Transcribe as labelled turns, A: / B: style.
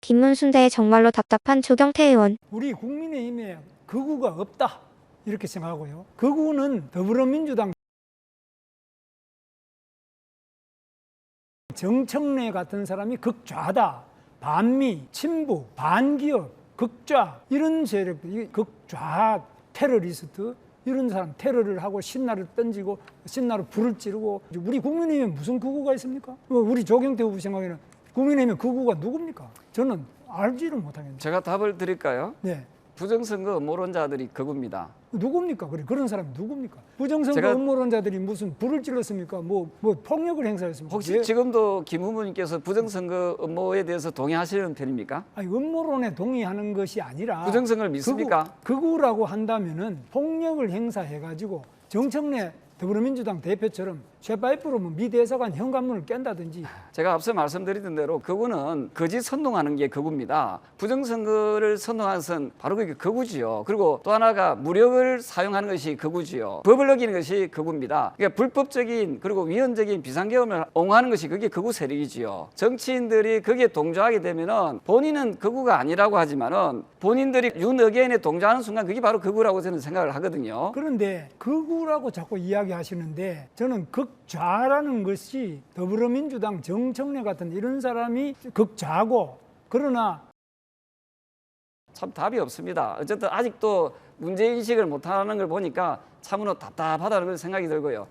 A: 김문순 대 정말로 답답한 조경태 의원.
B: 우리 국민의힘에 극우가 없다 이렇게 생각하고요. 극우는 더불어민주당 정청래 같은 사람이 극좌다. 반미, 친북, 반기업, 극좌 이런 세력, 극좌 테러리스트 이런 사람 테러를 하고 신나를 던지고 신나로 불을 찌르고 우리 국민의힘에 무슨 극우가 있습니까? 우리 조경태 후보 생각에는 국민의힘에 극우가 누굽니까? 저는 알지를 못하겠네요.
C: 제가 답을 드릴까요?
B: 네.
C: 부정선거 음모론자들이 극우입니다.
B: 누굽니까? 그런 사람이 누굽니까? 부정선거 음모론자들이 무슨 불을 찔렀습니까? 뭐 폭력을 행사했습니까?
C: 혹시 지금도 김 후보님께서 부정선거 음모에 대해서 동의하시는 편입니까?
B: 아니, 음모론에 동의하는 것이 아니라
C: 부정선거를 믿습니까?
B: 극우라고 한다면은 폭력을 행사해가지고 정청래 더불어민주당 대표처럼 쇠파이프로 미 대사관 현관문을 깬다든지.
C: 제가 앞서 말씀드린 대로 극우는 거짓 선동하는 게 극우입니다. 부정선거를 선동하는 것은 바로 그게 극우지요. 그리고 또 하나가 무력을 사용하는 것이 극우지요. 법을 어기는 것이 극우입니다. 그러니까 불법적인 그리고 위헌적인 비상계엄을 옹호하는 것이 그게 극우 세력이지요. 정치인들이 거기에 동조하게 되면은 본인은 극우가 아니라고 하지만은 본인들이 윤의견에 동조하는 순간 그게 바로 극우라고 저는 생각을 하거든요.
B: 그런데 극우라고 자꾸 이야기하시는데 저는 극좌라는 것이 더불어민주당 정청래 같은 이런 사람이 극좌고, 그러나
C: 참 답이 없습니다. 어쨌든 아직도 문제인식을 못하는 걸 보니까 참으로 답답하다는 생각이 들고요.